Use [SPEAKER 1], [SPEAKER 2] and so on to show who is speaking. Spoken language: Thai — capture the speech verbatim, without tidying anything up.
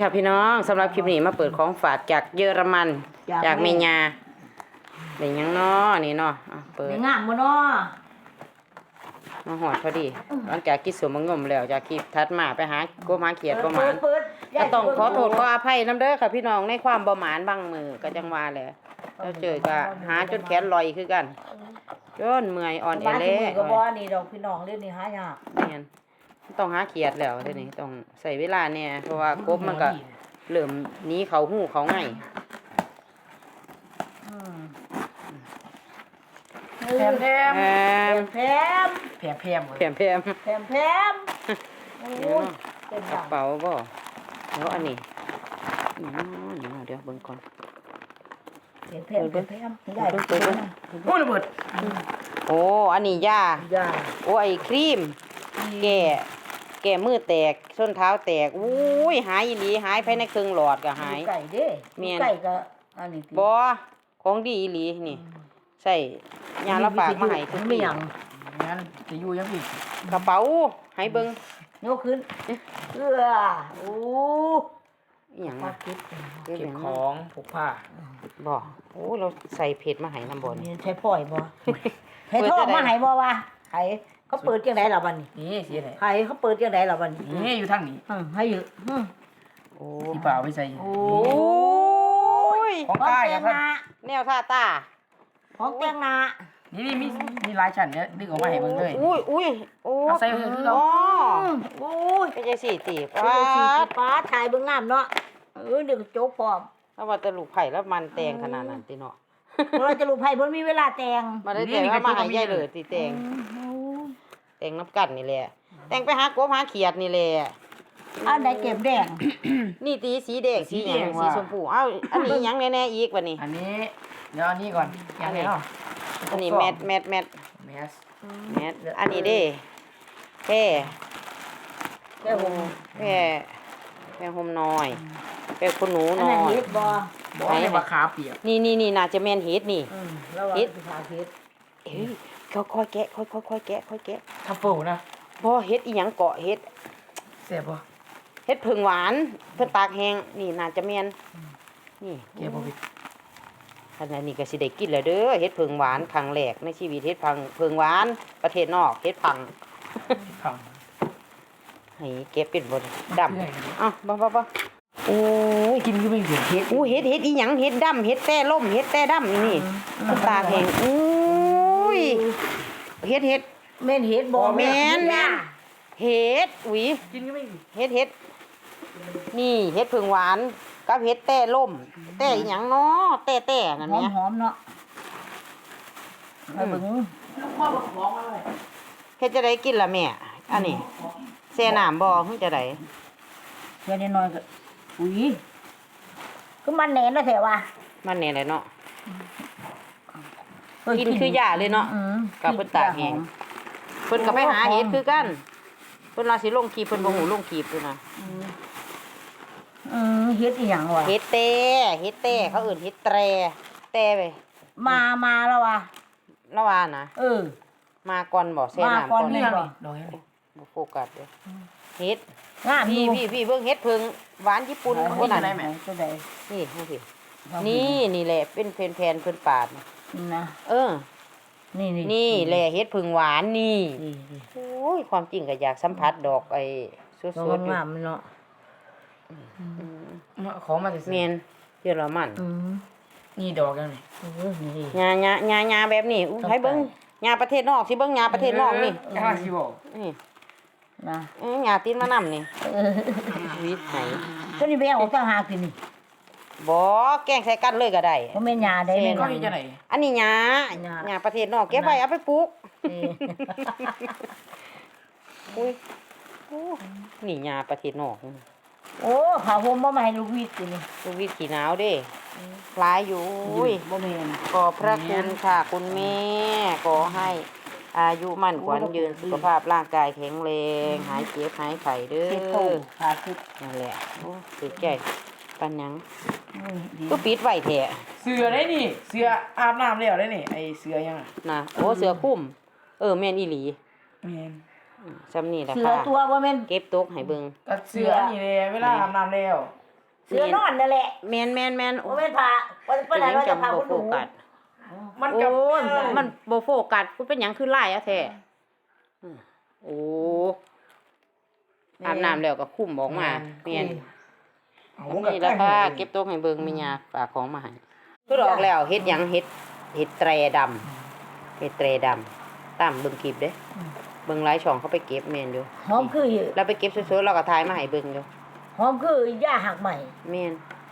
[SPEAKER 1] ค่ะพี่น้องสำหรับคลิปนี้มาเปิดของฝากจากเยอรมันจากเมียาเป็นยังน้อนี่เนาะเปิด
[SPEAKER 2] งามบ่เนาะ
[SPEAKER 1] มาหอดพอดีหลังจากกินสมงมแล้วจากคลิปทัดมาไปหาโกมาเขียดประมาณก็ต้องขอโทษขออภัยน้ำเด้อค่ะพี่น้องในความประมาณบางมือก็จังว่าแหละเราเจอก็หาจนแขนลอยคือกันจนเมื่อยอ่อนแอเละ
[SPEAKER 2] ก็บ่นี่ดอกพี่น้องเรื่องนี้หายาก
[SPEAKER 1] แม่นต้องหาเขียดแล้วเดี๋ยวนี้ต้องใส่เวลาเนี่ยเพราะว่ากบมันก็เริ่มหนีเขาหูเขาไง
[SPEAKER 2] แพมแพมแพมแพมแพม
[SPEAKER 1] แพมแพม
[SPEAKER 2] แพมแพมโอ้ยเป็น
[SPEAKER 1] กระเป๋าบ่แล้วอันนี้นี่เดี๋ยวเบิ่งก่อน
[SPEAKER 2] แพมแพมแพมได้เปิดโอ้ระเบิด
[SPEAKER 1] โอ้อันนี้ยาโอ้ไอ้ครีมแก่แก่มือแตกส้นเท้าแตกอุ้ยหายอีหลีหายภายในครึ่งหลอดก็หาย
[SPEAKER 2] ไก่เด้ไก่ก็อันนี้
[SPEAKER 1] บ่ของดีอีหลีนี่ใส่ยาละฝากมาให้ทุก
[SPEAKER 2] ไม่ยัง
[SPEAKER 3] งั้นจะอยู่ยังอีก
[SPEAKER 1] กระเป๋าให้เบิ่ง
[SPEAKER 2] ยกขึ้นเอื้อโอ้
[SPEAKER 1] อีหยัง
[SPEAKER 3] เก็บของพกผ้า
[SPEAKER 1] บ่โอ้เราใส่เพชรมาให้นำบ่
[SPEAKER 2] นี่ใช้ปล่อยบ่ให้ทอดมาให้บ่วะไผเขาเปิดจังได๋ล่ะบัดนี้
[SPEAKER 3] นี่สิไหน
[SPEAKER 2] ไผเขาเปิดจังได๋ล่ะบัดนี้
[SPEAKER 3] นี่อยู่ทางนี้
[SPEAKER 2] อือให้อยู่อือ
[SPEAKER 3] โอ้ที่เปล่าไปใส่
[SPEAKER 1] โอ้ย
[SPEAKER 3] ของใต้ครับ
[SPEAKER 1] แนวท่าตา
[SPEAKER 2] ของแต่งหน้า
[SPEAKER 3] นี่นี่มีมีหลายชั้นเนี่ยดึงออกมาให้เบิ่งเลย
[SPEAKER 1] อุ้ยอุ้ยโอ้
[SPEAKER 3] ใส่คือคือ
[SPEAKER 1] อ๋อ
[SPEAKER 2] โอ้ย
[SPEAKER 1] เป็นจังซี่ติ
[SPEAKER 2] ป้าป้าถ่ายเบิ่งงามเนาะเออเดี๋ยวโจ๊กพร้อม
[SPEAKER 1] แล้วว่าแต่ลูกไผ่แล้วมันแตงขนาดนั้นติเนาะ
[SPEAKER 2] เราจะลูกไผ่เพิ่นมีเวลาแต่ง
[SPEAKER 1] มาได้แต่งมาให้ยายเลยติแต่งแต่งน้ำกันนี่แหละแต่งไปหากบหาเขียดนี่แหละ
[SPEAKER 2] อันใดเก็บแดง
[SPEAKER 1] นี่ตีสีแดงสีหยังสีชมพูเอ้าอันนี้หยังแน่ๆอีกบัดนี้
[SPEAKER 3] อันนี้เดี๋ยวอันนี้ก่อน
[SPEAKER 1] อันนี้อันนี้แมทแมทแมท
[SPEAKER 3] แมส
[SPEAKER 1] แมทอันนี้เด้แค่
[SPEAKER 2] แค่ห่ม
[SPEAKER 1] แค่แค่ห่มน้อยแค่คุณหนูน้อย
[SPEAKER 2] อันนั้นเฮ็ดบ่
[SPEAKER 3] บ่ให้ว่าขาเปียก
[SPEAKER 1] นี่ๆๆน่าจะแม่นเฮ็ดนี่
[SPEAKER 2] อืมแล้วว่าสิขาเฮ็ด
[SPEAKER 1] เอ้ยค่อยๆแกะค่อยๆๆแกะค่อยแกะ
[SPEAKER 3] ทัฟเฟิลนะ
[SPEAKER 1] บ่เฮ็ดอีหยังเกาะเฮ็ด
[SPEAKER 3] แซ่บบ่
[SPEAKER 1] เฮ็ดผึ่งหวานเพิ่นตากแห้งนี่น่าจะแม่นนี่
[SPEAKER 3] แกะบ่ผิด
[SPEAKER 1] อันนี้ก็สิได้กินแล้วเด้อเฮ็ดผึ่งหวานครั้งแรกในชีวิตเฮ็ดพังผึ่งหวานประเทศนอกเฮ็ดพัง
[SPEAKER 3] พัง
[SPEAKER 1] ให้เก็บเป็นบ่ดำอ้าวบ่ๆๆโอ้ย
[SPEAKER 3] กินคือไม่เห็น
[SPEAKER 1] เฮ็ดอู้เฮ็ดเฮ็ดอีหยังเฮ็ดดำเฮ็ดแต่ล่มเฮ็ดแต่ดำนี่ตากแห้งอู้ยเฮ็ดเฮ็ด
[SPEAKER 2] แม่นเฮ็ดบ่
[SPEAKER 1] แม่นแม่นเฮ็ดอุ้ย
[SPEAKER 3] กินก็ไม่
[SPEAKER 1] เฮ็ดเฮ็ดนี่เฮ็ดผึ่งหวานกับเฮ็ดแต่ล่มแต่อีหยังเนาะแต่แต่นั่นแหละ
[SPEAKER 2] หอมๆเนาะไปเบิ่ง
[SPEAKER 3] ลูกพ่อบอกของมาเลย
[SPEAKER 1] เฮ็ดจะได้กินล่ะแม่อันนี้แช่น้ำบ่เฮ็ดจะได้
[SPEAKER 2] แค่น้อยๆก็อุ้ยคือมันแหน่นแล้วแท้ว่า
[SPEAKER 1] มันแน่เลยเนาะกินคือยาเลยเนาะกับเพิ่นตากแห้งเพิ่นก็ไปหาเฮ็ดคือกันเพิ่นว่าสิลงคลิปเพิ่นบ่ฮู้ลงคลิปด้วยนะ
[SPEAKER 2] อือเฮ็ดอีหยังวะ
[SPEAKER 1] เฮ็ดเต้เฮ็ดเต้เขาเอิ้นเฮ็ดแตรแตรไป
[SPEAKER 2] มามาแล้วว่ะ
[SPEAKER 1] แล้วว่านะ
[SPEAKER 2] เออ
[SPEAKER 1] มาก่อนบ่แช่น้ำ
[SPEAKER 2] ก่อนนี่บ่
[SPEAKER 3] ดอกเฮ็ด
[SPEAKER 1] บ่โฟกัสเด้อเฮ็ด
[SPEAKER 2] งาม
[SPEAKER 1] พี่พี่พี่เบิ่งเฮ็ดผึ่งหวานญี่ปุ่น
[SPEAKER 3] คนนั้นได้แม่
[SPEAKER 2] ตัวใด
[SPEAKER 1] นี่ให้พี่นี่นี่แหละเป็นแผ่นๆเพิ่นปาด
[SPEAKER 2] นะ
[SPEAKER 1] เออ
[SPEAKER 2] นี่
[SPEAKER 1] นี่แหละเฮ็ดผึ่งหวานนี่โอ้ยความจริงก็อยากสัมผัสดอกไอ้สดๆอยู่
[SPEAKER 2] งามเนาะ
[SPEAKER 3] ของมาซื่อ
[SPEAKER 1] แม่นเยอรมัน
[SPEAKER 3] นี่ดอกจังนี่
[SPEAKER 2] เออนี่
[SPEAKER 1] หญ้าๆๆแบบนี้อู้ให้เบิ่งหญ้าประเทศนอกสิเบิ่งหญ้าประเทศนอกนี่
[SPEAKER 3] หญ้าสิบ่
[SPEAKER 1] นี่
[SPEAKER 2] นะ
[SPEAKER 1] เอ้ยหญ้าตีนมะนำนี่
[SPEAKER 2] เออ
[SPEAKER 1] วิไหน
[SPEAKER 2] ตัวนี้ไปเอาต่างหากกินนี่
[SPEAKER 1] บ่แกงใส่กันเลยก็ได้
[SPEAKER 2] บ่แม่นหญ้าได้แม่น
[SPEAKER 3] ก็เฮ็ดจังได๋
[SPEAKER 1] อันนี้หญ้าหญ้าประเทศนอกเก็บไว้เอาไปปลูกอุ้ยโอ้นี่หญ้าประเทศนอก
[SPEAKER 2] โอ้ผ้าห่มบ่มาให้ลูกวิทย์สินี่
[SPEAKER 1] ลูกวิทย์ขี้หนาวเด้หลายอยู่อุ้ย
[SPEAKER 2] บ่แม่น
[SPEAKER 1] ขอบพระคุณค่ะคุณแม่ขอให้อายุมั่นขวัญยืนสุขภาพร่างกายแข็งแรงหายเจ็บหายไข้เด้อ
[SPEAKER 2] ค่ะคือ
[SPEAKER 1] นั่นแหละโอ้สุดใจปันหยังก็ปิดไว้แท้
[SPEAKER 3] เสือได้นี่เสืออาบน้ำแล้วได้นี่ไอ้เสือยัง
[SPEAKER 1] น่ะโอ้เสือคุ้มเออแม่นอีหลี
[SPEAKER 3] แม่น
[SPEAKER 1] ซ้ำนี่แหละค่ะ
[SPEAKER 2] เสือตัวบ่แม่น
[SPEAKER 1] เก็บตกให้เบิ่ง
[SPEAKER 3] ก็เสือนี่แหละเวลาอาบน้ำแล้ว
[SPEAKER 2] เสื้อนอนนั่นแหละ
[SPEAKER 1] แม่นแม่นแม่น
[SPEAKER 2] โอ้เป็นผ้าว่า
[SPEAKER 1] เป็
[SPEAKER 2] เป็น น
[SPEAKER 1] ห
[SPEAKER 2] อะ
[SPEAKER 1] ยั
[SPEAKER 2] ไรง ว่าจะ
[SPEAKER 1] จำ
[SPEAKER 2] พา
[SPEAKER 1] บ่
[SPEAKER 2] คุณห
[SPEAKER 1] โฟ
[SPEAKER 2] นู
[SPEAKER 1] กัส
[SPEAKER 3] มัน
[SPEAKER 1] โอ้
[SPEAKER 3] กับ
[SPEAKER 1] ยมันบ่โฟกัสกูเป็นหยังคือลายอะแท้อืมโอ้อาบน้ำแล้วก็คุ้มออกมาแม่น
[SPEAKER 3] เอา
[SPEAKER 1] นี่แหละค่ะเก็บโต๊ะให้เบิ่งแม่ย่าฝากของมาให้คือออกแล้วเฮ็ดหยังเฮ็ดเฮ็ดแตรดำเฮ็ดแตรดำตามเบิ่งคลิปเด้เบิ่งหลายช่องเขาไปเก็บแม่นอยู่
[SPEAKER 2] หอมคือ
[SPEAKER 1] เราไปเก็บสวยๆเราก็ถ่ายมาให้เบิ่งอยู่
[SPEAKER 2] หอมคือย่าหักใหม่
[SPEAKER 1] แม่น